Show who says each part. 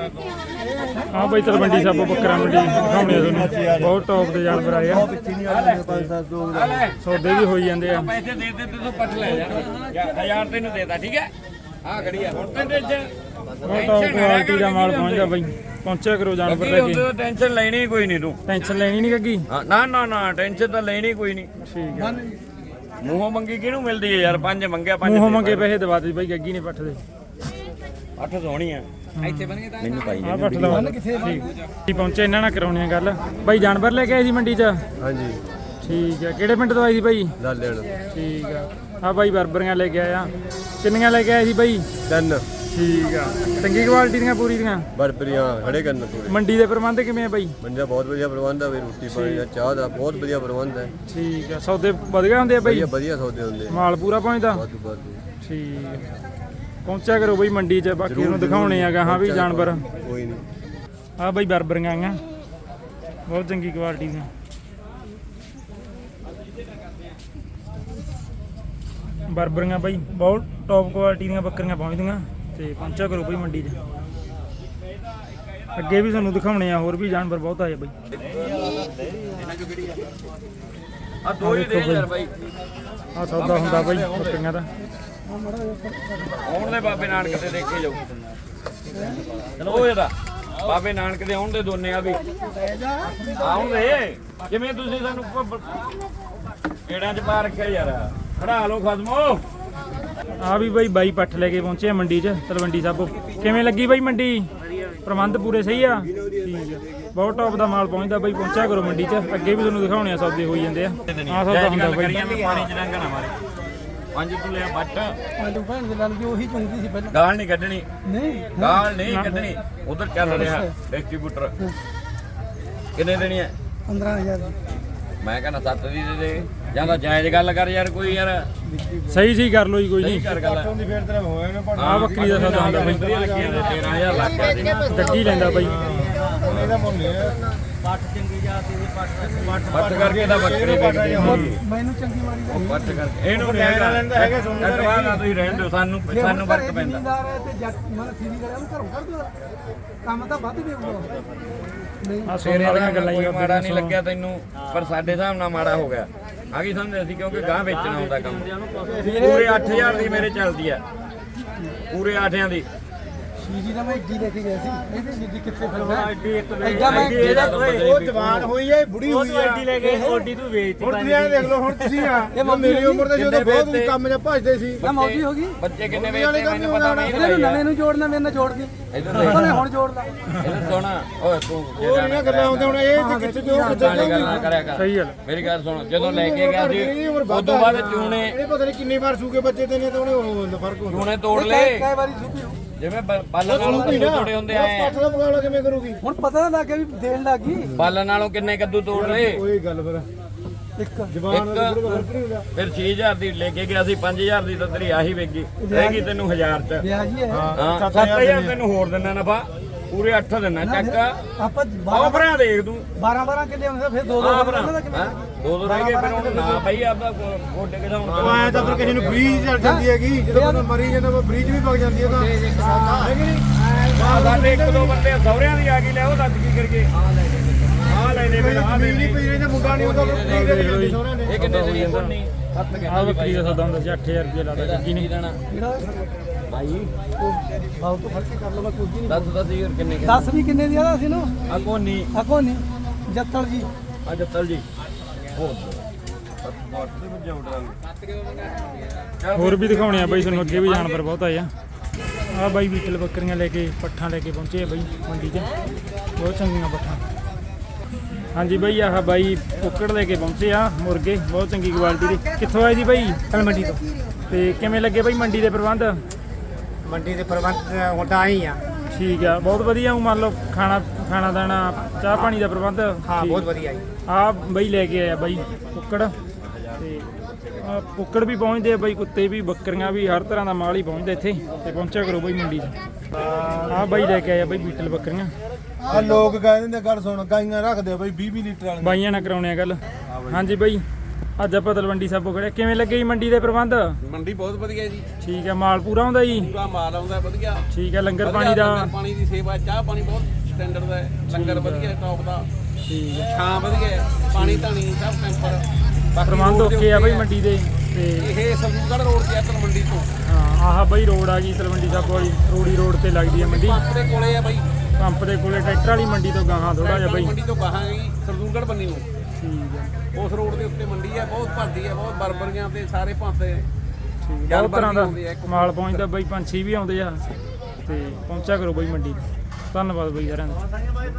Speaker 1: हाँ भाई तलवंडी साबो बकरा मंडी दिखाने बहुत टॉप के जानवर आए सौदे भी हो जाते हैं
Speaker 2: पैसे दे दे तो पट ले जा 1000 तेन देता ठीक है हां घड़ी है हुन ते टेंशन
Speaker 1: बहुत टॉप क्वालिटी का माल पहुंचदा भाई पहुंचा करो जानवर लेके
Speaker 2: टेंशन लेनी कोई नहीं तू
Speaker 1: टेंशन लेनी नहीं गगी
Speaker 2: ना ना ना टेंशन तो लेनी कोई नहीं
Speaker 1: ठीक है
Speaker 2: ਮੂੰਹੋਂ ਮੰਗੀ ਕਿਹਨੂੰ ਮਿਲਦੀ ਹੈ ਯਾਰ ਪੰਜ ਮੰਗਿਆ ਪੰਜ
Speaker 1: ਮੂੰਹੋਂ ਮੰਗੇ ਪੈਸੇ ਦਵਾ ਦੇ ਬਾਈ ਗੱਗੀ ਨੇ ਪੱਠ ਦੇ
Speaker 2: ਅੱਠ ਸੋਹਣੀ ਆ ਇੱਥੇ ਬਣ ਗਏ ਤਾਂ ਮੈਨੂੰ ਪਾਈ
Speaker 1: ਆ ਪੱਠ ਦਵਾ ਕਿੱਥੇ ਠੀਕ ਪਹੁੰਚੇ ਇਹਨਾਂ ਨਾਲ ਕਰਾਉਣੀ ਆ ਗੱਲ ਬਾਈ ਜਾਨਵਰ ਲੈ ਕੇ ਆਏ ਸੀ ਮੰਡੀ 'ਚ
Speaker 3: ਹਾਂਜੀ
Speaker 1: ਠੀਕ ਹੈ ਕਿਹੜੇ ਪਿੰਡ ਤੋਂ ਆਈ ਸੀ ਬਾਈ
Speaker 3: ਲਾਲੇਣ
Speaker 1: ਠੀਕ ਆ ਆ ਬਾਈ ਬਰਬਰੀਆਂ ਲੈ ਕੇ ਆਇਆ ਕਿੰਨੀਆਂ ਲੈ ਕੇ ਆਏ ਸੀ ਬਾਈ
Speaker 3: 3
Speaker 1: ਠੀਕ ਆ ਚੰਗੀ ਕੁਆਲਿਟੀ ਦੀਆਂ ਪੂਰੀ ਦੀਆਂ
Speaker 3: ਬਰਬਰੀਆਂ ਖੜੇ ਕਰਨ ਪੂਰੇ
Speaker 1: ਮੰਡੀ ਦੇ ਪ੍ਰਬੰਧ ਕਿਵੇਂ ਆ ਬਾਈ
Speaker 3: ਮੰਜਾ ਬਹੁਤ ਵਧੀਆ ਪ੍ਰਬੰਧ ਆ ਵੀ ਰੋਟੀ ਪਾਣੀ ਦਾ ਚਾਹ ਦਾ ਬਹੁਤ ਵਧੀਆ ਪ੍ਰਬੰਧ ਹੈ
Speaker 1: ਠੀਕ ਆ ਸੌਦੇ ਵਧੀਆ ਹੁੰਦੇ ਆ ਬਾਈ
Speaker 3: ਵਧੀਆ ਸੌਦੇ ਹੁੰਦੇ
Speaker 1: ਮਾਲ ਪੂਰਾ ਪਹੁੰਚਦਾ
Speaker 3: ਬਹੁਤ
Speaker 1: ਠੀਕ ਆ ਪਹੁੰਚਿਆ ਕਰੋ ਬਾਈ ਮੰਡੀ 'ਚ ਬਾਕੀ ਨੂੰ ਦਿਖਾਉਣੇ ਆਗਾ ਹਾਂ ਵੀ ਜਾਨਵਰ
Speaker 3: ਕੋਈ ਨਹੀਂ
Speaker 1: ਆ ਬਾਈ ਬਰਬਰੀਆਂ ਆਈਆਂ ਬਹੁਤ ਚੰਗੀ ਕੁਆਲਿਟੀ ਦੀਆਂ ਬਰਬਰੀਆਂ ਬਾਈ ਬਹੁਤ ਟੌਪ ਕੁਆਲਿਟੀ ਦੀਆਂ ਬੱਕਰੀਆਂ ਪਹੁੰਚਦੀਆਂ ਤੇ ਪਹੁੰਚਿਆ ਕਰੋ ਬਾਈ ਮੰਡੀ 'ਚ ਅੱਗੇ ਵੀ ਤੁਹਾਨੂੰ ਦਿਖਾਉਣੇ ਆ ਹੋਰ ਵੀ ਜਾਨਵਰ ਬਹੁਤ ਆਏ ਬਾਈ
Speaker 2: ਆ ਦੋ ਹੀ ਦੇ ਯਾਰ ਬਾਈ
Speaker 1: ਆ ਸੌਦਾ ਹੁੰਦਾ ਬਾਈ ਬੱਕਰੀਆਂ ਦਾ
Speaker 2: ਆਉਣ ਦੇ ਬਾਬੇ ਨਾਨਕ ਤੇ ਦੇਖੇ ਜਾਓ ਚਲੋ ਉਹ ਇਹਦਾ ਬਾਬੇ ਨਾਨਕ ਦੇ ਆਉਣ ਦੇ ਦੋਨੇ ਆ ਵੀ ਆਉਣ ਦੇ ਜਿਵੇਂ ਤੁਸੀਂ ਸਾਨੂੰ ਕਿਹੜਾਂ ਚ ਪਾ ਰੱਖਿਆ ਯਾਰ ਖੜਾ ਲਓ ਖਸਮੋ
Speaker 1: ਆ ਵੀ ਬਾਈ ਬਾਈ ਪੱਠ ਲੈ ਕੇ ਪਹੁੰਚੇ ਆ ਮੰਡੀ 'ਚ ਤਲਵੰਡੀ ਸਾਬੋ ਕਿਵੇਂ ਲੱਗੀ ਬਾਈ ਮੰਡੀ ਪ੍ਰਬੰਧ ਪੂਰੇ ਸਹੀ ਆ ਠੀਕ ਆ ਬਹੁਤ ਟੌਪ ਦਾ ਮਾਲ ਪਹੁੰਚਦਾ ਬਾਈ ਪਹੁੰਚਿਆ ਕਰੋ ਮੰਡੀ 'ਚ ਅੱਗੇ ਵੀ ਤੁਹਾਨੂੰ ਦਿਖਾਉਣੇ ਆ ਸੌਦੇ ਹੋਈ ਜਾਂਦੇ ਆ ਆ ਸੌਦਾ ਹੁੰਦਾ ਬਾਈ
Speaker 2: ਪਾਣੀ ਚ ਡੰਗਾ ਨਾ ਮਾਰੇ ਪੰਜ ਤੂੰ ਲਿਆ ਬੱਟ
Speaker 4: ਆਲੂ ਭੈਣ ਦੇ ਨਾਲ ਦੀ ਉਹੀ ਚੁੰਗੀ ਸੀ ਪਹਿਲਾਂ
Speaker 2: ਗਾਲ ਨਹੀਂ ਕੱਢਣੀ
Speaker 4: ਨਹੀਂ
Speaker 2: ਗਾਲ ਨਹੀਂ ਕੱਢਣੀ ਉਧਰ ਚੱਲ ਰਿਹਾ ਡਿਸਟ੍ਰੀਬਿਊਟਰ ਕਿੰਨੇ ਦੇਣੀ ਹੈ
Speaker 4: 15000
Speaker 2: ਮੈਂ ਕਹਿੰਦਾ 7 ਦੀ ਦੇ ਦੇ ਜਾਂ ਤਾਂ ਜਾਇਜ਼ ਗੱਲ ਕਰ ਯਾਰ ਕੋਈ ਯਾਰ
Speaker 1: ਸਹੀ ਸਹੀ ਕਰ ਲੋ ਜੀ ਕੋਈ
Speaker 2: ਸਹੀ
Speaker 1: ਨਹੀਂ
Speaker 2: ਕਰ ਗੱਲ
Speaker 3: ਦੀ ਫੇਰ ਤੇਰਾ ਹੋਇਆ ਨਾ
Speaker 1: ਆ ਬੱਕਰੀ ਦਾ ਸੌਦਾ ਹੁੰਦਾ ਬਾਈ
Speaker 2: 13000 ਲੱਗ ਗਿਆ ਜੀ
Speaker 1: ਗੱਡੀ ਲੈਂਦਾ ਬਾਈ
Speaker 3: ਇਹਦਾ ਮੁੱਲ ਹੈ
Speaker 4: ਪੱਟ ਚੰਗੀ ਜਾਤੀ ਦੀ
Speaker 2: ਪੱਟ ਕਰਕੇ ਤਾਂ ਬੱਕਰੀ ਵੇਚਦੇ
Speaker 4: ਮੈਨੂੰ ਚੰਗੀ ਮਾਰੀ ਦਾ
Speaker 2: ਪੱਟ ਕਰਕੇ ਇਹਨੂੰ ਨਹੀਂ ਹੈਗਾ ਕਟਵਾ ਨਾ ਤੁਸੀਂ ਰਹਿਣ ਦਿਓ ਸਾਨੂੰ ਸਾਨੂੰ ਫਰਕ ਪੈਂਦਾ
Speaker 4: ਜ਼ਿਮੀਂਦਾਰ ਹੈ ਤੇ ਜੱਟ ਮਨ ਸੀਰੀ ਕਰਿਆ ਉਹਨੂੰ ਘਰੋਂ ਕੱਢ ਦੋ ਕੰਮ ਤਾਂ ਵੱਧ ਦੇਊਗਾ ਨਹੀਂ
Speaker 1: ਆ ਸੋਨੇ ਵਾਲੀਆਂ ਗੱਲਾਂ ਹੀ
Speaker 2: ਮਾੜਾ ਨਹੀਂ ਲੱਗਿਆ ਤੈਨੂੰ ਪਰ ਸਾਡੇ ਹਿਸਾਬ ਨਾਲ ਮਾੜਾ ਹੋ ਗਿਆ ਆ ਕੀ ਸਮਝਦੇ ਅਸੀਂ ਕਿਉਂਕਿ ਗਾਂ ਵੇਚਣਾ ਹੁੰਦਾ ਕੰਮ ਪੂਰੇ 8000 ਦੀ ਮੇਰੇ ਚੱਲਦੀ ਆ ਪੂਰੇ 8ਾਂ ਦੀ
Speaker 4: ਸੀਜੀ ਦਾ ਮੈਂ ਇੱਡੀ ਲੈ ਕੇ ਗਿਆ ਸੀ ਇਹਦੇ ਜਿੱਦੀ ਕਿੱਥੇ ਫਿਰਦਾ
Speaker 1: ਐਡੀ ਇੱਕ
Speaker 4: ਐਡਾ ਮੈਂ
Speaker 3: ਉਹ ਜਵਾਨ ਹੋਈ ਹੈ ਬੁੜੀ ਹੋਈ ਹੈ
Speaker 1: ਐਡੀ ਲੈ ਕੇ ਓਡੀ ਤੂੰ ਵੇਚ
Speaker 3: ਹੁਣ ਤੁਸੀਂ ਇਹ ਦੇਖ ਲਓ ਹੁਣ ਤੁਸੀਂ ਆ ਮੇਰੀ ਉਮਰ ਦੇ ਜਦੋਂ ਬਹੁਤ ਤੁਸੀਂ ਕੰਮ 'ਚ ਭੱਜਦੇ ਸੀ
Speaker 4: ਨਾ ਮੌਜੀ ਹੋ ਗਈ
Speaker 2: ਬੱਚੇ ਕਿੰਨੇ ਵੇਚਦੇ ਮੈਨੂੰ ਪਤਾ ਨਹੀਂ
Speaker 4: ਇਹਨੂੰ ਨਵੇਂ ਨੂੰ ਜੋੜਨਾ ਮੇਰੇ ਨਾਲ ਜੋੜ ਕੇ
Speaker 2: ਇਧਰ
Speaker 4: ਉਹਨੇ ਹੁਣ ਜੋੜਦਾ
Speaker 2: ਇਹਨੂੰ ਸੋਣਾ ਓਏ ਤੂੰ
Speaker 3: ਉਹ ਨਹੀਂ ਗੱਲਾਂ ਹੁੰਦੀਆਂ ਹੁਣ ਇਹ ਕਿੱਥੇ ਕਿਉਂ ਕਿੱਥੇ
Speaker 2: ਗੱਲਾਂ ਕਰਿਆ ਕਰ
Speaker 1: ਸਹੀ ਗੱਲ
Speaker 2: ਮੇਰੀ ਗੱਲ ਸੁਣ ਜਦੋਂ ਲੈ ਕੇ ਗਿਆ ਸੀ ਉਸ ਤੋਂ ਬਾਅਦ ਚੂਨੇ
Speaker 3: ਇਹ ਪਤਾ ਨਹੀਂ ਕਿੰਨੀ ਵਾਰ ਸੂਕੇ ਬੱਚੇ ਤੇ ਨੇ ਤਾਂ ਉਹਨੇ ਫਰਕ ਹੁੰਦਾ
Speaker 2: ਚੂਨੇ ਤੋੜ ਲਏ
Speaker 4: ਕਈ ਵਾਰੀ ਸੁਪੀ
Speaker 2: ਜਿਵੇਂ ਬਾਲਣ ਨਾਲੋਂ ਕੱਦੂ ਤੋੜੇ ਹੁੰਦੇ ਆਏ
Speaker 3: ਪੱਠ ਦਾ ਮੁਕਾਬਲਾ ਕਿਵੇਂ ਕਰੂਗੀ
Speaker 4: ਹੁਣ ਪਤਾ ਲੱਗ ਗਿਆ ਵੀ ਦੇਣ ਲੱਗੀ
Speaker 2: ਬਾਲਣ ਨਾਲੋਂ ਕਿੰਨੇ ਕੱਦੂ ਤੋੜ ਲਏ
Speaker 3: ਕੋਈ ਗੱਲ ਫਿਰ
Speaker 4: ਇੱਕ
Speaker 3: ਜਵਾਨ ਦਾ ਫਰਕ ਨਹੀਂ ਹੁੰਦਾ
Speaker 2: ਫਿਰ 6000 ਦੀ ਲੈ ਕੇ ਗਿਆ ਸੀ 5000 ਦੀ ਤਾਂ ਤੇਰੀ ਆਹੀ ਵੇਗੀ ਰਹੇਗੀ ਤੈਨੂੰ 1000 ਚ
Speaker 4: ਵਿਆਹ ਜੀ ਹੈ
Speaker 2: ਹਾਂ 7000 ਤੈਨੂੰ ਹੋਰ ਦਿੰਦਾ ਨਫਾ ਪੂਰੇ 8 ਦਿੰਦਾ ਚੱਕ
Speaker 4: ਆਪਾਂ
Speaker 2: ਆਹ ਭਰਾ ਦੇਖ ਤੂੰ
Speaker 4: 12 ਕਿੱਲੇ ਹੁੰਦੇ ਫਿਰ 2
Speaker 2: ਆਹ ਭਰਾ
Speaker 4: ਦਾ ਕਿੰਨਾ
Speaker 2: ਦੋ ਦੋ ਰਹਿ ਗਏ ਫਿਰ ਹੁਣ ਨਾ ਭਾਈ ਆਪਦਾ ਗੋਡੇ
Speaker 3: ਉਹ ਆਇਆ ਤਾਂ ਫਿਰ ਕਿਸੇ ਨੂੰ ਬ੍ਰੀਜ ਚੱਲ ਜਾਂਦੀ ਹੈਗੀ ਜਦੋਂ ਬੰਦਾ ਮਰੀ ਜਾਂਦਾ ਉਹ ਬ੍ਰੀਜ ਵੀ ਵਗ ਜਾਂਦੀ ਹੈ ਤਾਂ ਹੈ ਕਿ ਨਹੀਂ
Speaker 2: ਸਾਡੇ ਇੱਕ ਦੋ ਬੰਦੇ ਸਹੁਰਿਆਂ ਦੀ ਆ ਗਈ ਲੈ ਉਹ ਦੱਸ ਕੀ ਕਰਗੇ ਆ ਲੈ ਲੈ ਫਿਰ ਆ ਲੈ
Speaker 3: ਨਹੀਂ ਪਈ ਇਹਦਾ ਮੁੰਡਾ ਨਹੀਂ ਉਹਦਾ ਬ੍ਰੀਜ ਦੇ ਜਾਂਦੀ ਸੋਹਣਾ ਨੇ
Speaker 2: ਇਹ ਕਿੰਨੇ ਦੀ ਕੋਨੀ ਹੱਥ ਕੇ
Speaker 1: ਆ ਬੱਕਰੀ ਦਾ ਸੌਦਾ ਹੁੰਦਾ ਸੀ 8000 ਰੁਪਏ ਲਾਦਾ ਗੱਗੀ ਨੇ
Speaker 2: ਦੇਣਾ ਭਾਈ
Speaker 4: ਬਾਉ ਤੋਂ ਫੜ ਕੇ ਕਰ ਲਓ ਮੈਂ ਕੁਝ ਨਹੀਂ
Speaker 2: ਦੱਸ ਯਾਰ ਕਿੰਨੇ
Speaker 4: 10 ਵੀ ਕਿੰਨੇ ਦੀ ਆਦਾ ਸੀ ਨੂੰ
Speaker 2: ਆ ਕੋਨੀ
Speaker 4: ਆਕੋ ਨਹੀਂ ਜੱਤਲ ਜੀ
Speaker 2: ਆ ਜੱਤਲ ਜੀ
Speaker 1: ਹੋਰ ਵੀ ਦਿਖਾਉਣੇ ਆ ਬਾਈ ਤੁਹਾਨੂੰ ਅੱਗੇ ਵੀ ਜਾਨਵਰ ਬਹੁਤ ਆਏ ਆ ਆ ਬਾਈ ਬੀਟਲ ਬੱਕਰੀਆਂ ਲੈ ਕੇ ਪੱਠਾਂ ਲੈ ਕੇ ਪਹੁੰਚੇ ਆ ਬਾਈ ਮੰਡੀ 'ਚ ਬਹੁਤ ਚੰਗੀਆਂ ਪੱਠਾਂ ਹਾਂਜੀ ਬਾਈ ਆਹ ਬਾਈ ਕੁੱਕੜ ਲੈ ਕੇ ਪਹੁੰਚੇ ਆ ਮੁਰਗੇ ਬਹੁਤ ਚੰਗੀ ਕੁਆਲਿਟੀ ਦੇ ਕਿੱਥੋਂ ਆਏ ਜੀ ਬਾਈ
Speaker 4: ਮੰਡੀ ਤੋਂ
Speaker 1: ਤੇ ਕਿਵੇਂ ਲੱਗੇ ਬਾਈ ਮੰਡੀ ਦੇ ਪ੍ਰਬੰਧ
Speaker 4: ਮੰਡੀ ਦੇ ਪ੍ਰਬੰਧ ਹੁਣ ਤਾਂ ਆਈ ਆ
Speaker 1: ਠੀਕ ਆ ਬਹੁਤ ਵਧੀਆ ਮੰਨ ਲਓ ਖਾਣਾ ਦਾਣਾ ਚਾਹ ਪਾਣੀ ਦਾ ਪ੍ਰਬੰਧ
Speaker 4: ਹਾਂ ਬਹੁਤ ਵਧੀਆ ਜੀ
Speaker 1: ਆ ਬਾਈ ਲੈ ਕੇ ਆਇਆ ਬਾਈ ਕੁੱਕੜ ਤੇ ਆ ਕੁੱਕੜ ਵੀ ਪਹੁੰਚਦੇ ਆ ਬਾਈ ਕੁੱਤੇ ਵੀ ਬੱਕਰੀਆਂ ਵੀ ਹਰ ਤਰ੍ਹਾਂ ਦਾ ਮਾਲ ਹੀ ਪਹੁੰਚਦਾ ਇੱਥੇ ਤੇ ਪਹੁੰਚਿਆ ਕਰੋ ਬਾਈ ਮੰਡੀ 'ਚ ਆ ਬਾਈ ਲੈ ਕੇ ਆਇਆ ਬਾਈ ਬੀਟਲ ਬੱਕਰੀਆਂ
Speaker 3: ਆ ਲੋਕ ਕਹਿੰਦੇ ਨੇ ਗੱਲ ਸੁਣ ਗਾਈਆਂ ਰੱਖਦੇ ਆ ਬਈ 20 ਲੀਟਰ ਵਾਲੀਆਂ
Speaker 1: ਬਾਈਆਂ ਨਾਲ ਕਰਾਉਣੇ ਆ ਗੱਲ ਹਾਂਜੀ ਬਾਈ ਅੱਜ ਆਪਾਂ ਤਲਵੰਡੀ ਸਾਬੋ ਖੜੇ, ਕਿਵੇਂ ਲੱਗੇ ਜੀ ਮੰਡੀ ਦੇ ਪ੍ਰਬੰਧ?
Speaker 5: ਮੰਡੀ ਬਹੁਤ ਵਧੀਆ ਜੀ,
Speaker 1: ਠੀਕ ਹੈ, ਮਾਲ ਪੂਰਾ ਆਉਂਦਾ ਜੀ?
Speaker 5: ਪੂਰਾ ਮਾਲ ਆਉਂਦਾ ਵਧੀਆ।
Speaker 1: ਠੀਕ ਹੈ, ਲੰਗਰ
Speaker 5: ਵਧੀਆ
Speaker 1: ਪਾਣੀ ਦਾ?
Speaker 5: ਲੰਗਰ ਪਾਣੀ ਦੀ ਸੇਵਾ, ਚਾਹ ਪਾਣੀ ਬਹੁਤ ਸਟੈਂਡਰਡ ਦਾ ਹੈ, ਲੰਗਰ ਵਧੀਆ ਟੌਪ ਦਾ,
Speaker 1: ਠੀਕ ਹੈ,
Speaker 5: ਛਾਂ ਵਧੀਆ ਹੈ, ਪਾਣੀ ਧਾਣੀ ਸਭ ਟੈਂਪਰ। ਬਾਕੀ
Speaker 1: ਪ੍ਰਬੰਧ
Speaker 5: road ਦੇ
Speaker 1: ਓਕੇ ਆ ਬਈ
Speaker 5: ਉੱਤੇ
Speaker 1: ਮੰਡੀ ਦੇ? ਤੇ
Speaker 5: ਇਹ ਸਰਦੂਲਗੜ੍ਹ ਰੋਡ ਤੇ ਆ ਤਲਵੰਡੀ ਤੋਂ।
Speaker 1: ਹਾਂ ਆਹ ਬਈ ਰੋਡ ਆ ਗਈ ਤਲਵੰਡੀ ਸਾਬੋ ਵਾਲੀ, ਰੋੜੀ ਰੋਡ ਤੇ ਲੱਗਦੀ ਹੈ ਮੰਡੀ,
Speaker 5: ਪੰਪ ਦੇ ਕੋਲੇ ਆ ਬਾਈ,
Speaker 1: ਪੰਪ ਦੇ ਕੋਲੇ ਟਰੈਕਟਰ ਵਾਲੀ ਮੰਡੀ ਤੋਂ ਗਾਹਾਂ ਥੋੜਾ ਜਿਹਾ ਬਈ।
Speaker 5: ਮੰਡੀ ਤੋਂ ਬਾਹਾਂ ਗਈ ਸਰਦੂਲਗੜ੍ਹ ਬੰਨੀ ਨੂੰ,
Speaker 1: ਠੀਕ ਹੈ,
Speaker 5: ਉਸ ਰੋਡ ਦੇ ਉੱਤੇ ਮੰਡੀ ਹੈ, ਬਹੁਤ ਭਰਦੀ ਹੈ, ਬਹੁਤ ਬਰਬਰੀਆਂ ਤੇ ਸਾਰੇ ਭਾਂਤੇ
Speaker 1: ਠੀਕ ਹੈ, ਬਹੁਤ ਤਰ੍ਹਾਂ ਦਾ ਮਾਲ ਪਹੁੰਚਦਾ ਬਈ, ਪੰਛੀ ਵੀ ਆਉਂਦੇ ਆ ਤੇ ਪਹੁੰਚਿਆ ਕਰੋ ਬਈ ਮੰਡੀ। ਧੰਨਵਾਦ ਬਈ ਸਾਰਿਆਂ ਦਾ।